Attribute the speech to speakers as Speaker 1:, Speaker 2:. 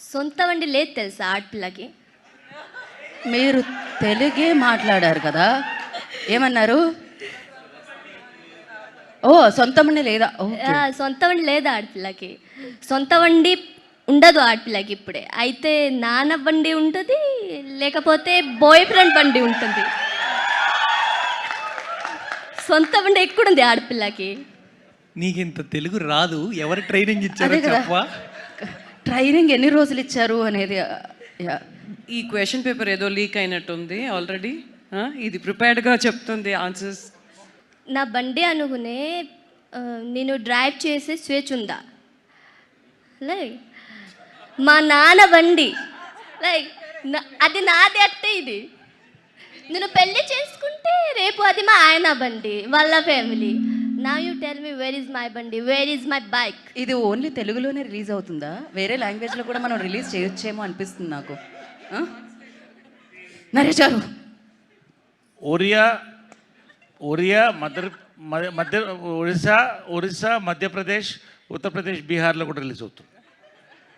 Speaker 1: సొంత వండి లేదు తెలుసా ఆడపిల్లకి.
Speaker 2: మీరు తెలుగే మాట్లాడారు కదా, ఏమన్నారు? ఓ సొంత వండి లేదా? ఓకే.
Speaker 1: సొంత వండి లేదు ఆడపిల్లకి. సొంత వండి ఉండదు ఆడపిల్లకి ఇప్పుడే. అయితే నాన్న బండి ఉంటుంది, లేకపోతే బాయ్ ఫ్రెండ్ బండి ఉంటుంది. సొంత బండి ఎక్కడుంది ఆడపిల్లకి?
Speaker 3: నీకు ఇంత తెలుగు రాదు, ఎవరు ట్రైనింగ్ ఇచ్చారో
Speaker 2: అదే కదా.
Speaker 3: చెప్పవా?
Speaker 2: ట్రైనింగ్ ఎన్ని రోజులు ఇచ్చారు అనేది.
Speaker 4: ఈ క్వశ్చన్ పేపర్ ఏదో లీక్ అయినట్టుంది ఆల్రెడీ. ఇది ప్రిపేర్డ్గా చెప్తుంది ఆన్సర్స్.
Speaker 1: నా బండి అనుకునే నేను డ్రైవ్ చేసే స్వేచ్ఛ ఉందా? లైక్ మా నాన్న బండి, లైక్ అది నాది అట్టే. ఇది నేను పెళ్లి చేసుకుంటే రేపు అది మా ఆయన బండి, వాళ్ళ ఫ్యామిలీ. నా you tell me where is my బండి, వేర్ ఈజ్ మై బైక్?
Speaker 2: ఇది ఓన్లీ తెలుగులోనే రిలీజ్ అవుతుందా? వేరే లాంగ్వేజ్లో కూడా మనం రిలీజ్ చేయొచ్చేమో అనిపిస్తుంది నాకు. నరేష్ గారు,
Speaker 5: ఒరియా మధ్య ఒరిస్సా, మధ్యప్రదేశ్, ఉత్తరప్రదేశ్, బీహార్లో కూడా రిలీజ్ అవుతుంది.